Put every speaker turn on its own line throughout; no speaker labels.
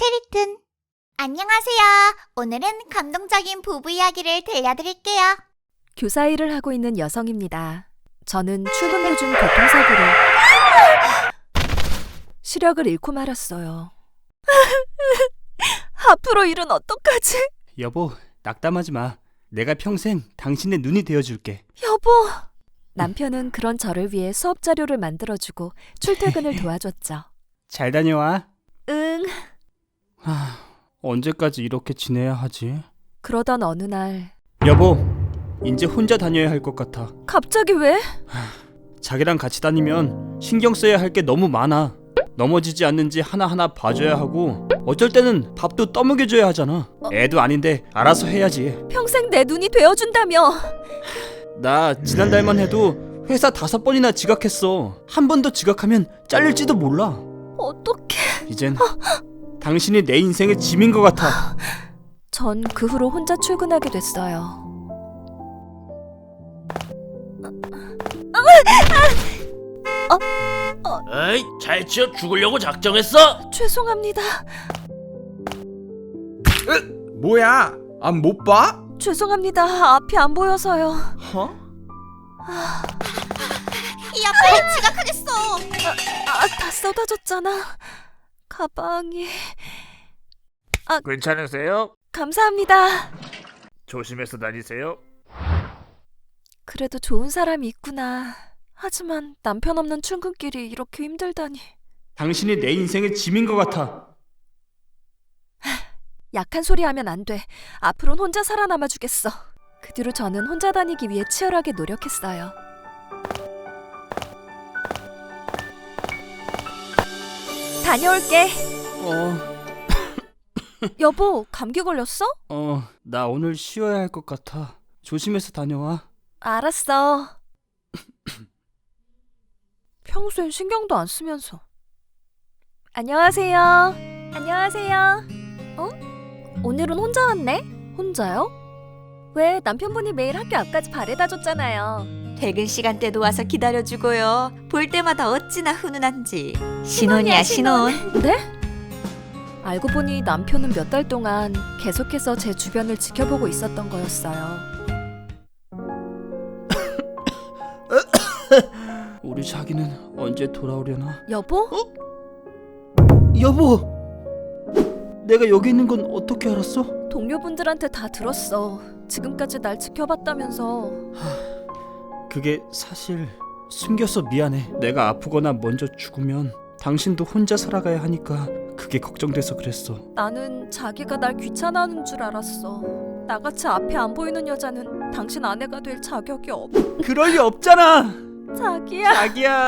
스켈리튼. 안녕하세요. 오늘은 감동적인 부부 이야기를 들려드릴게요.
교사 일을 하고 있는 여성입니다. 저는 출근 도중 교통사고로 시력을 잃고 말았어요. 앞으로 일은 어떡하지?
여보, 낙담하지 마. 내가 평생 당신의 눈이 되어줄게.
여보! 남편은 그런 저를 위해 수업 자료를 만들어주고 출퇴근을 도와줬죠.
잘 다녀와.
응.
언제까지 이렇게 지내야 하지?
그러던 어느 날
여보, 이제 혼자 다녀야 할 것 같아.
갑자기 왜?
자기랑 같이 다니면 신경 써야 할 게 너무 많아. 넘어지지 않는지 하나하나 봐줘야 하고 어쩔 때는 밥도 떠먹여줘야 하잖아. 애도 아닌데 알아서 해야지.
평생 내 눈이 되어준다며.
나 지난달만 해도 회사 5번이나 지각했어. 한 번 더 지각하면 잘릴지도 몰라.
어떡해.
이젠 당신이 내 인생의 짐인 것 같아.
전 그 후로 혼자 출근하게 됐어요.
에이, 잘 치어 죽으려고 작정했어?
죄송합니다.
뭐야? 안 못 봐?
죄송합니다. 앞이 안 보여서요.
어?
야, 빨리 지각하겠어.
다 쏟아졌잖아. 가방이...
괜찮으세요?
감사합니다.
조심해서 다니세요.
그래도 좋은 사람이 있구나. 하지만 남편 없는 출근길이 이렇게 힘들다니.
당신이 내 인생의 짐인 것 같아.
약한 소리 하면 안 돼. 앞으로는 혼자 살아남아 주겠어. 그 뒤로 저는 혼자 다니기 위해 치열하게 노력했어요. 다녀올게. 여보, 감기 걸렸어?
나 오늘 쉬어야 할 것 같아. 조심해서 다녀와.
알았어. 평소엔 신경도 안 쓰면서. 안녕하세요. 안녕하세요. 오늘은 혼자 왔네? 혼자요? 왜, 남편분이 매일 학교 앞까지 바래다 줬잖아요.
퇴근 시간대도 와서 기다려주고요. 볼 때마다 어찌나 훈훈한지. 신혼이야, 신혼.
네? 알고 보니 남편은 몇 달 동안 계속해서 제 주변을 지켜보고 있었던 거였어요.
우리 자기는 언제 돌아오려나?
여보?
여보! 내가 여기 있는 건 어떻게 알았어?
동료분들한테 다 들었어. 지금까지 날 지켜봤다면서.
그게 사실 숨겨서 미안해. 내가 아프거나 먼저 죽으면 당신도 혼자 살아가야 하니까 그게 걱정돼서 그랬어.
나는 자기가 날 귀찮아하는 줄 알았어. 나같이 앞에 안 보이는 여자는 당신 아내가 될 자격이 없...
그럴 리 없잖아!
자기야.
자기야!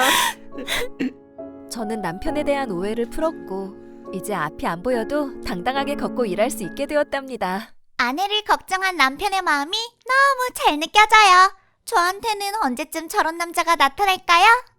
저는 남편에 대한 오해를 풀었고 이제 앞이 안 보여도 당당하게 걷고 일할 수 있게 되었답니다.
아내를 걱정한 남편의 마음이 너무 잘 느껴져요. 저한테는 언제쯤 저런 남자가 나타날까요?